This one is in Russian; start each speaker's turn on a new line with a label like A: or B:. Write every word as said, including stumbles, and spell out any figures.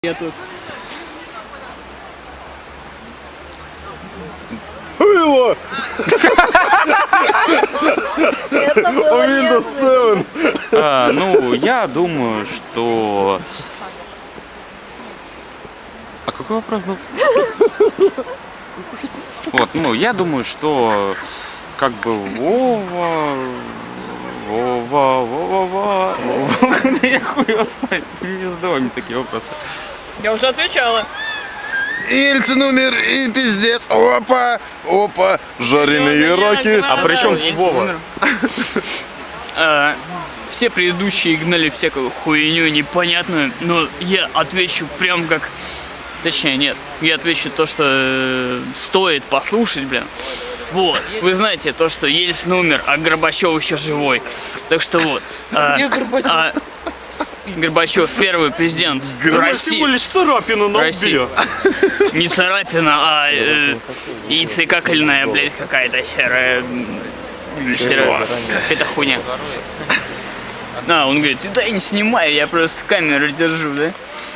A: Я тут.
B: Было!
C: Это было
B: Windows семь!
A: А, ну, я думаю, что... А какой вопрос был? Вот, ну, я думаю, что как бы Вова... Вова, Вова, Вова... Я хуй его знает, не задавай мне такие вопросы.
C: Я уже отвечала.
B: Ельцин умер и пиздец. Опа! Опа! Жареные раки.
A: А при чем
C: Есть
A: Вова?
C: номер. А, Все предыдущие гнали всякую хуйню непонятную, но я отвечу прям как... Точнее, нет, я отвечу то, что э, стоит послушать, блин. Вот, вы знаете то, что Ельцин умер, а Горбачев еще живой. Так что вот. а, а, Горбачев первый президент России.
A: Всего лишь царапина на
C: России.
A: лбе.
C: Не царапина, а э, яйцекакольная, блядь, какая-то серая. Серая. Это хуйня. А, он говорит, да я не снимаю, я просто камеру держу, да?